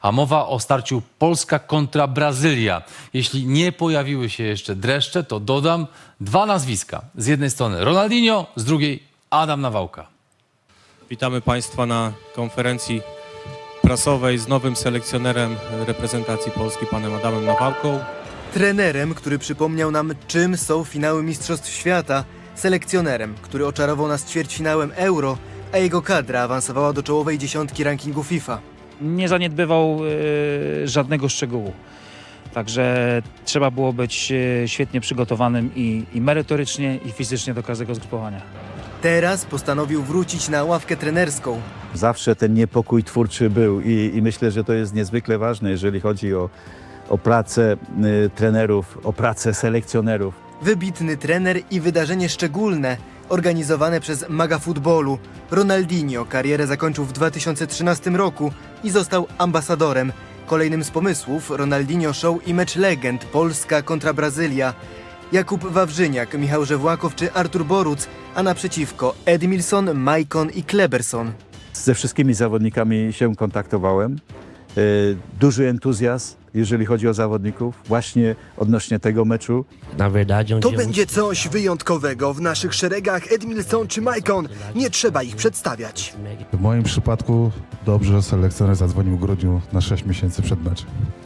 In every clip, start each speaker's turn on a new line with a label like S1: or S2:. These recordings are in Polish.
S1: A mowa o starciu Polska kontra Brazylia. Jeśli nie pojawiły się jeszcze dreszcze, to dodam dwa nazwiska. Z jednej strony Ronaldinho, z drugiej Adam Nawałka.
S2: Witamy Państwa na konferencji prasowej z nowym selekcjonerem reprezentacji Polski, panem Adamem Nawałką.
S3: Trenerem, który przypomniał nam, czym są finały Mistrzostw Świata. Selekcjonerem, który oczarował nas ćwierćfinałem Euro, a jego kadra awansowała do czołowej dziesiątki rankingu FIFA.
S4: Nie zaniedbywał żadnego szczegółu. Także trzeba było być świetnie przygotowanym i merytorycznie, i fizycznie do każdego zgrupowania.
S3: Teraz postanowił wrócić na ławkę trenerską.
S5: Zawsze ten niepokój twórczy był i myślę, że to jest niezwykle ważne, jeżeli chodzi o pracę trenerów, o pracę selekcjonerów.
S3: Wybitny trener i wydarzenie szczególne, organizowane przez maga futbolu. Ronaldinho karierę zakończył w 2013 roku i został ambasadorem. Kolejnym z pomysłów Ronaldinho Show i mecz legend Polska kontra Brazylia. Jakub Wawrzyniak, Michał Żewłakow czy Artur Boruc, a naprzeciwko Edmilson, Maicon i Kleberson.
S5: Ze wszystkimi zawodnikami się kontaktowałem. Duży entuzjazm, jeżeli chodzi o zawodników, właśnie odnośnie tego meczu.
S6: To będzie coś wyjątkowego. W naszych szeregach Edmilson czy Maicon. Nie trzeba ich przedstawiać.
S7: W moim przypadku dobrze selekcjoner zadzwonił w grudniu na 6 miesięcy przed meczem.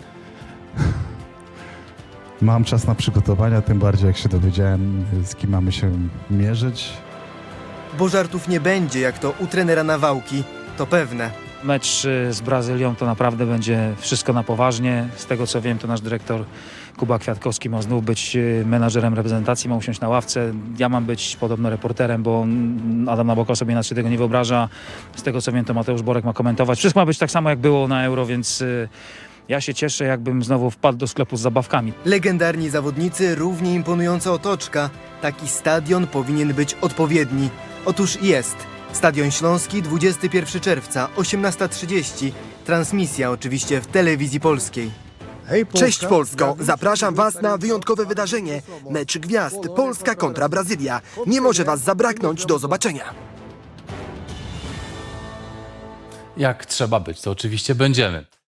S7: Mam czas na przygotowania, tym bardziej jak się dowiedziałem, z kim mamy się mierzyć.
S3: Bo żartów nie będzie, jak to u trenera Nawałki, to pewne.
S4: Mecz z Brazylią to naprawdę będzie wszystko na poważnie. Z tego co wiem, to nasz dyrektor Kuba Kwiatkowski ma znów być menadżerem reprezentacji, ma usiąść na ławce. Ja mam być podobno reporterem, bo Adam Nawałka sobie inaczej tego nie wyobraża. Z tego co wiem, to Mateusz Borek ma komentować. Wszystko ma być tak samo jak było na Euro, więc ja się cieszę, jakbym znowu wpadł do sklepu z zabawkami.
S3: Legendarni zawodnicy, równie imponująca otoczka. Taki stadion powinien być odpowiedni. Otóż jest. Stadion Śląski, 21 czerwca, 18:30. Transmisja oczywiście w telewizji polskiej.
S6: Cześć Polsko! Zapraszam Was na wyjątkowe wydarzenie. Mecz gwiazd Polska kontra Brazylia. Nie może Was zabraknąć. Do zobaczenia.
S1: Jak trzeba być, to oczywiście będziemy.